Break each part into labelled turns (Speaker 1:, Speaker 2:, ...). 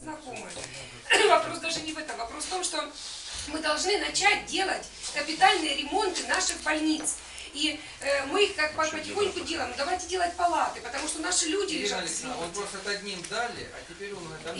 Speaker 1: знакомы. Вопрос даже не в этом. Вопрос в том, что мы должны начать делать капитальные ремонты наших больниц. И мы их как потихоньку делаем. Давайте делать палаты, потому что наши люди лежат в свете.
Speaker 2: Он просто одним дали, а теперь он это...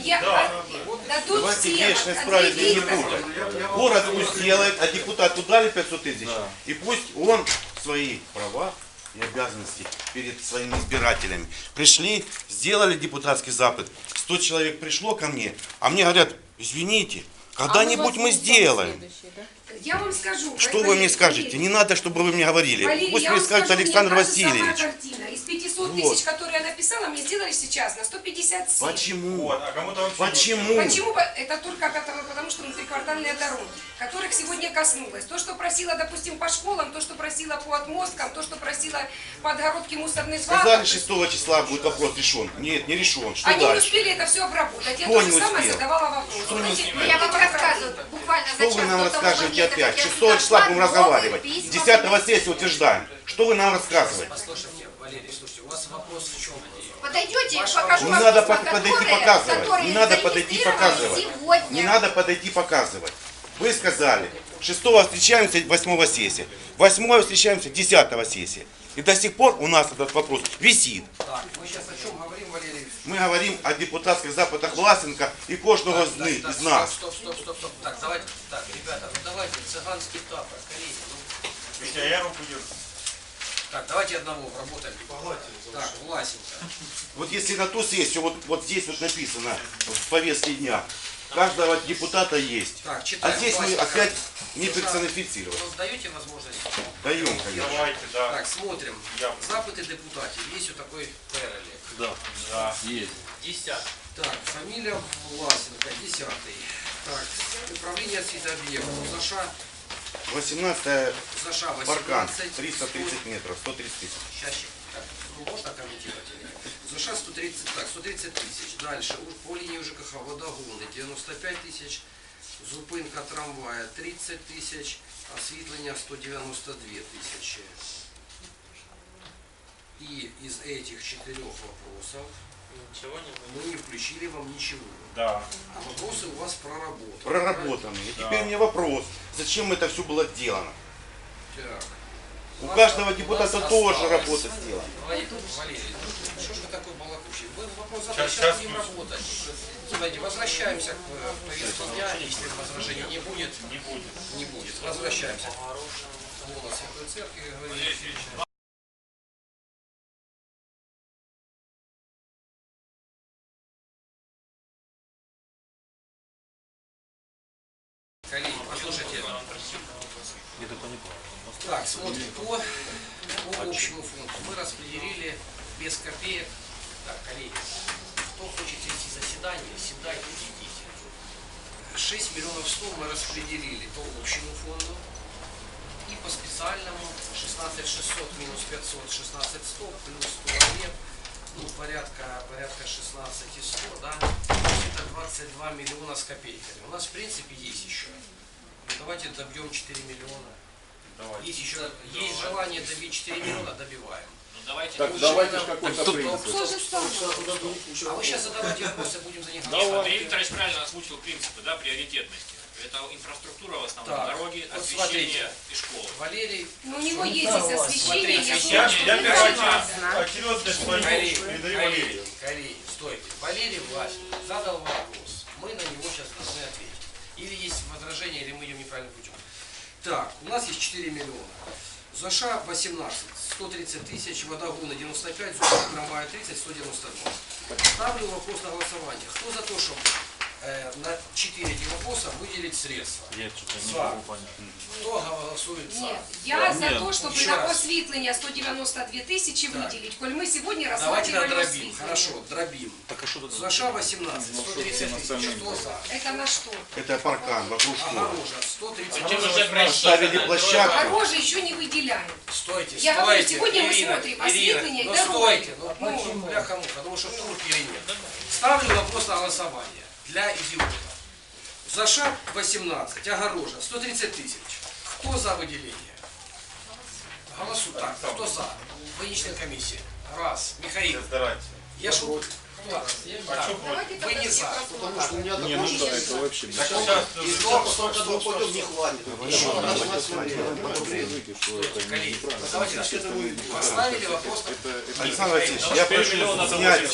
Speaker 1: Давайте
Speaker 3: вечно исправить не будут. Город пусть делает, а депутату дали 500 тысяч. И пусть он свои права и обязанности перед своими избирателями. Пришли, сделали депутатский запад. 100 человек пришло ко мне, а мне говорят, извините, когда-нибудь мы сделаем.
Speaker 1: Я вам скажу.
Speaker 3: Что вы мне скажете? Не надо, чтобы вы мне говорили.
Speaker 1: Валерий,
Speaker 3: Пусть мне скажет Александр Васильевич.
Speaker 1: Из 500 тысяч, которые я написала, мне сделали сейчас на 157.
Speaker 3: Почему?
Speaker 4: Вот, а кому-то вообще
Speaker 3: Почему?
Speaker 1: Почему? Это только потому, что внутриквартальные дороги, которых сегодня коснулось. То, что просила, допустим, по школам, то, что просила по отмосткам, то, что просила по отгородке мусорных свалок.
Speaker 3: Сказали, 6 числа будет вопрос решен. Нет, не решен. Что
Speaker 1: Они
Speaker 3: дальше?
Speaker 1: не успели это все обработать. Я
Speaker 3: Кто
Speaker 1: тоже
Speaker 3: не
Speaker 1: самое
Speaker 3: успел?
Speaker 1: задавала вопрос.
Speaker 5: Я вам рассказываю, буквально за
Speaker 3: Что
Speaker 5: час
Speaker 3: вы нам
Speaker 5: до того
Speaker 3: расскажете
Speaker 5: момента,
Speaker 3: опять?
Speaker 5: как я
Speaker 3: 6
Speaker 5: сюда
Speaker 3: числа будем
Speaker 5: шла,
Speaker 3: разговаривать.
Speaker 5: новые письма
Speaker 3: 10 сессии утверждаем. Что вы нам рассказываете?
Speaker 2: Послушайте, Валерий, слушайте, у вас вопрос в чем?
Speaker 5: Подойдете, я покажу
Speaker 3: Не
Speaker 5: вам
Speaker 3: надо
Speaker 5: письма,
Speaker 3: подойти
Speaker 5: которые
Speaker 3: показывать. Не надо подойти
Speaker 5: зарегистрированы
Speaker 3: показывать.
Speaker 5: сегодня.
Speaker 3: Не надо подойти показывать. Вы сказали, 6 встречаемся, 8 сессия. 8 встречаемся, 10 сессия. И до сих пор у нас этот вопрос висит.
Speaker 2: Так, мы сейчас о чем говорим, Валерий?
Speaker 3: Мы говорим о депутатских запитах Власенка и кожного из нас.
Speaker 2: Стоп. Так, давайте, так, ребята, ну давайте, цыганский тапор, коллеги.
Speaker 4: Витя, я руку держу.
Speaker 2: Так, давайте одного работаем. Так, Власенко.
Speaker 3: Вот если на ту сессию, вот здесь вот написано в повестке дня, каждого депутата есть.
Speaker 2: Так,
Speaker 3: А
Speaker 2: читаем.
Speaker 3: здесь мы
Speaker 2: Власенко.
Speaker 3: опять не персонифицировали.
Speaker 2: Вы даете возможность?
Speaker 3: Даем, конечно.
Speaker 4: Давайте, да.
Speaker 2: Так, смотрим. Запыты депутатів. Есть вот такой перелик.
Speaker 4: Да.
Speaker 6: Есть.
Speaker 2: 10. Так, фамилия Власенко, 10. Так, управление освітооб'єктів.
Speaker 3: 18
Speaker 2: Заша
Speaker 3: паркан,
Speaker 2: 18.
Speaker 3: 330 метров, 130 тысяч.
Speaker 2: Сейчас, так, ну, можно комментировать или нет? Заша 130, так, 130 тысяч. Дальше, по линии ЖКХ водогоны 95 тысяч. Зупинка трамвая 30 тысяч. Осветление 192 тысячи. И из этих 4 вопросов мы не включили вам ничего.
Speaker 4: Да.
Speaker 2: А вопросы у вас проработаны.
Speaker 3: Проработаны. И теперь мне вопрос, зачем это все было сделано?
Speaker 2: Так.
Speaker 3: У каждого депутата тоже работа сделана.
Speaker 2: Валерий, что ж вы такой балакучий? Вы вопрос
Speaker 4: Сейчас
Speaker 2: задали, сейчас будем работать. Смотрите, возвращаемся к повестке дня. Если возражений не будет, не будет. Возвращаемся. Лона Святой Церкви, говорит. Коллеги, послушайте. Так, смотрим. По общему фонду мы распределили без копеек. Так, коллеги, кто хочет вести заседание, седайте, идите. 6 миллионов 100 мы распределили по общему фонду. И по специальному 16 600 минус 500, 16 100 плюс 100 лет. Ну, порядка 16 и 100, да? Это 22 миллиона с копейками. У нас, в принципе, есть еще. Ну, давайте добьем 4 миллиона.
Speaker 4: Давайте.
Speaker 2: Есть еще, есть желание добить 4 миллиона, добиваем.
Speaker 6: Ну давайте.
Speaker 7: Так давайте же какой-то принцип.
Speaker 1: Что же стало?
Speaker 2: А вы сейчас задавайте вопросы, будем за них
Speaker 6: Андрей Викторович правильно озвучил принципы, да, приоритетности. Это инфраструктура в основном,
Speaker 2: Так,
Speaker 6: дороги,
Speaker 2: вот
Speaker 6: освещение и школы.
Speaker 2: Валерий,
Speaker 1: Ну, у него есть здесь освещение.
Speaker 6: Смотрите,
Speaker 1: я
Speaker 4: Я
Speaker 1: думаю,
Speaker 4: первый
Speaker 1: что
Speaker 4: очередность свою передаю Валерию.
Speaker 2: Коллеги, стойте. Валерий Власин задал вопрос. Мы на него сейчас должны ответить. Или есть возражение, или мы идем неправильным путем. Так, у нас есть 4 миллиона. Заша 18, 130 тысяч, водогоны 95, зубы трамвая 30, 192. Ставлю вопрос на голосование. Кто за то, чтобы на 4 этих вопроса выделить средства?
Speaker 6: Я что-то
Speaker 2: не могу понять. Кто голосует за?
Speaker 1: Нет, я за то, чтобы
Speaker 2: Еще
Speaker 1: на
Speaker 2: раз.
Speaker 1: осветление 192 тысячи выделить, коль мы сегодня
Speaker 2: Давайте
Speaker 1: рассматривали
Speaker 2: дробим.
Speaker 1: осветление.
Speaker 2: Хорошо, дробим.
Speaker 6: Так а что тут?
Speaker 2: Заша 18, 130 тысяч. Кто за?
Speaker 1: Это на что?
Speaker 3: Это паркан вокруг школы.
Speaker 2: Огорожа 130
Speaker 6: Чем
Speaker 2: тысяч.
Speaker 6: уже
Speaker 3: Поставили площадку.
Speaker 1: Дороже еще не выделяем.
Speaker 2: Стойте,
Speaker 1: Я говорю,
Speaker 2: стойте,
Speaker 1: сегодня мы
Speaker 2: Ирина,
Speaker 1: смотрим
Speaker 2: Ирина,
Speaker 1: осветление и
Speaker 2: ну
Speaker 1: дороги.
Speaker 2: стойте, ну бляха-муха, потому что тур или нет. Ставлю вопрос на голосование для идиотов. Заша 18, огорожа 130 тысяч. Кто за выделение? Голосуй. Так, кто за? Больничная комиссия. Раз. Михаил.
Speaker 4: Старайтесь.
Speaker 2: Я ж Вы не за.
Speaker 5: Потому что у меня
Speaker 7: Не, ну да, это вообще
Speaker 4: Так сейчас
Speaker 5: и столько двух пойдем не хватит. Еще раз
Speaker 2: Коллеги, давайте так. Поставили вопрос.
Speaker 3: Александр Васильевич, я прошу снять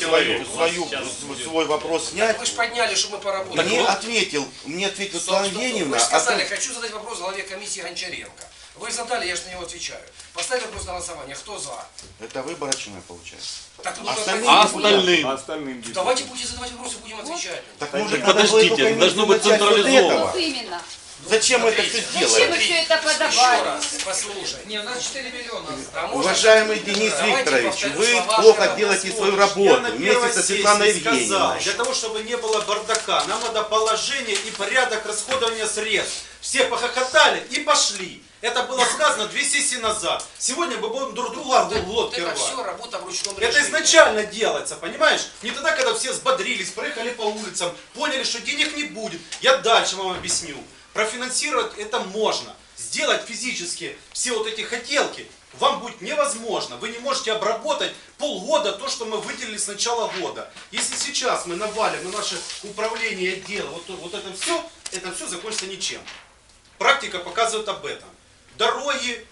Speaker 3: свой вопрос снять.
Speaker 2: Вы же подняли, что мы поработали.
Speaker 3: Мне ответил Светлана Евгеньевна.
Speaker 2: Вы же сказали, хочу задать вопрос главе комиссии Гончаренко. Вы задали, я же на него отвечаю. Поставьте вопрос на голосование. Кто за?
Speaker 3: Это выборочное получается.
Speaker 2: Так, ну,
Speaker 3: Остальные
Speaker 2: давайте-
Speaker 3: депутаты.
Speaker 7: А остальным
Speaker 2: Давайте будете задавать вопросы, будем отвечать.
Speaker 3: Так может,
Speaker 8: подождите,
Speaker 3: надо было
Speaker 8: должно быть
Speaker 3: начать вот
Speaker 8: централизовано.
Speaker 3: этого?
Speaker 5: Вот именно.
Speaker 3: Зачем это все
Speaker 5: Зачем
Speaker 3: сделали?
Speaker 5: вы все это
Speaker 2: Еще
Speaker 5: подавали?
Speaker 2: раз, послушай.
Speaker 9: Не, у нас 4 миллиона.
Speaker 2: А можно-
Speaker 3: Уважаемый Денис
Speaker 2: Давайте
Speaker 3: Викторович,
Speaker 2: повторю
Speaker 3: вы
Speaker 2: слова
Speaker 3: плохо
Speaker 2: Шарова.
Speaker 3: делаете свою
Speaker 10: Я
Speaker 3: работу
Speaker 10: на
Speaker 3: вместе
Speaker 10: первой
Speaker 3: со
Speaker 10: сессии
Speaker 3: Светланой
Speaker 10: сказал,
Speaker 3: Евгеньевной.
Speaker 10: для того, чтобы не было бардака, нам надо положение и порядок расходования средств. Все похохотали и пошли. Это было сказано 2 сессии назад. Сегодня мы будем друг друга в
Speaker 2: Вот
Speaker 10: глотки
Speaker 2: это
Speaker 10: рвать.
Speaker 2: все работа в ручном
Speaker 10: Это
Speaker 2: режиме.
Speaker 10: изначально делается, понимаешь? Не тогда, когда все взбодрились, проехали по улицам, поняли, что денег не будет. Я дальше вам объясню. Профинансировать это можно. Сделать физически все вот эти хотелки вам будет невозможно. Вы не можете обработать полгода то, что мы выделили с начала года. Если сейчас мы навалим на наше управление отдела, вот это все закончится ничем. Практика показывает об этом. Дороги,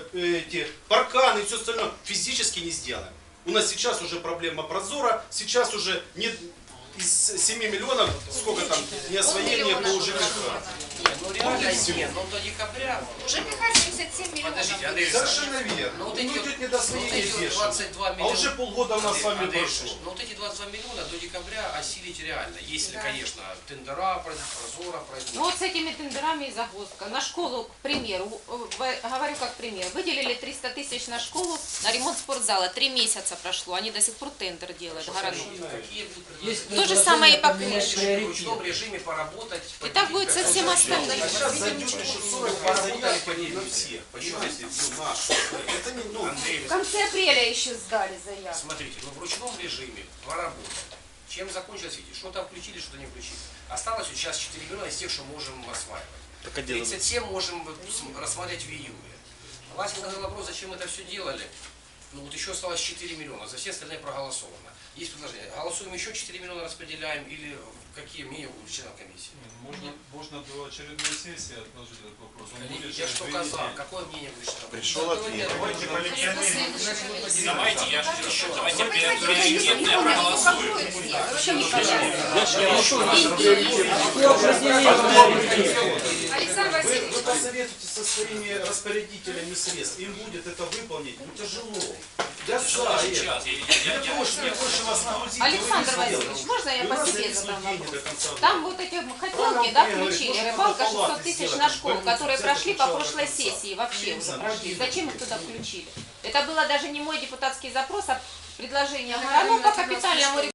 Speaker 10: эти парканы и все остальное физически не сделаем. У нас сейчас уже проблема прозора, сейчас уже нет из 7 миллионов, сколько там, неосвоение по ЖКХ.
Speaker 2: Ну реально нет, но до декабря.
Speaker 5: ЖКХ 77 миллионов.
Speaker 2: Подождите, Андрей Александрович.
Speaker 10: Совершенно верно.
Speaker 2: Ну, вот
Speaker 10: Ну,
Speaker 2: эти
Speaker 10: идет
Speaker 2: вот-
Speaker 10: недосвоение
Speaker 2: вот эти вот
Speaker 10: бешеное.
Speaker 2: 22
Speaker 10: А
Speaker 2: миллиона.
Speaker 10: уже полгода у нас с вами
Speaker 2: Андрей
Speaker 10: прошло.
Speaker 2: Александрович, ну вот эти 22 миллиона до декабря осилить реально. Если, конечно, тендера пройдут, прозора пройдут.
Speaker 11: Ну вот с этими тендерами и загвоздка. На школу, к примеру, говорю как пример, выделили 300 тысяч на школу, на ремонт спортзала. 3 месяца прошло, они до сих пор тендер делают, Городок.
Speaker 2: Какие будут предложения?
Speaker 11: То же самое и по крыше.
Speaker 2: В ручном режиме поработать.
Speaker 11: И так будет со всем остальным.
Speaker 10: Сейчас зайдет еще 40 заявок по ней на всех. Понимаете? Ну, наши. Это не, ну,
Speaker 2: Андрей
Speaker 11: В конце апреля еще сдали заявку.
Speaker 2: Смотрите, ну в ручном режиме поработать. Чем закончилось, видите, что-то включили, что-то не включили. Осталось вот сейчас 4 миллиона из тех, что можем осваивать. 37 можем рассмотреть в июле. Вася задал вопрос, зачем это все делали. Ну вот еще осталось 4 миллиона, за все остальные проголосовано. Есть предложение. Голосуем еще 4 миллиона, распределяем или какие мнения у членов комиссии?
Speaker 12: Можно до очередной сессии отложить этот вопрос. Он
Speaker 2: Коллеги,
Speaker 12: будет
Speaker 2: я
Speaker 12: через
Speaker 2: что
Speaker 12: 2
Speaker 2: сказал,
Speaker 12: недели.
Speaker 2: какое мнение у членов комиссии?
Speaker 3: Пришел ответ.
Speaker 4: давайте по легионерам.
Speaker 6: Давайте, давайте
Speaker 5: Вы понимаете,
Speaker 6: приоритетно
Speaker 5: что
Speaker 6: проголосуем.
Speaker 5: вообще непонятно.
Speaker 1: Александр Васильевич,
Speaker 10: Вы посоветуйте со своими распорядителями средств. Им будет это выполнить, ну тяжело. Я за это.
Speaker 6: Сейчас,
Speaker 10: Мне проще вас нагрузить.
Speaker 11: Александр
Speaker 10: вы не
Speaker 11: Васильевич,
Speaker 10: сделаете.
Speaker 11: можно я
Speaker 10: У
Speaker 11: по
Speaker 10: нас
Speaker 11: себе
Speaker 10: зависит
Speaker 11: задам
Speaker 10: деньги
Speaker 11: вопрос?
Speaker 10: до конца года.
Speaker 11: Там вот эти хотелки, да, включили, рыбалка 600 тысяч на школу, которые прошли по прошлой сессии вообще уже прошли. Зачем их туда включили? Это было даже не мой депутатский запрос, а предложение Городок по капитальному ремонту.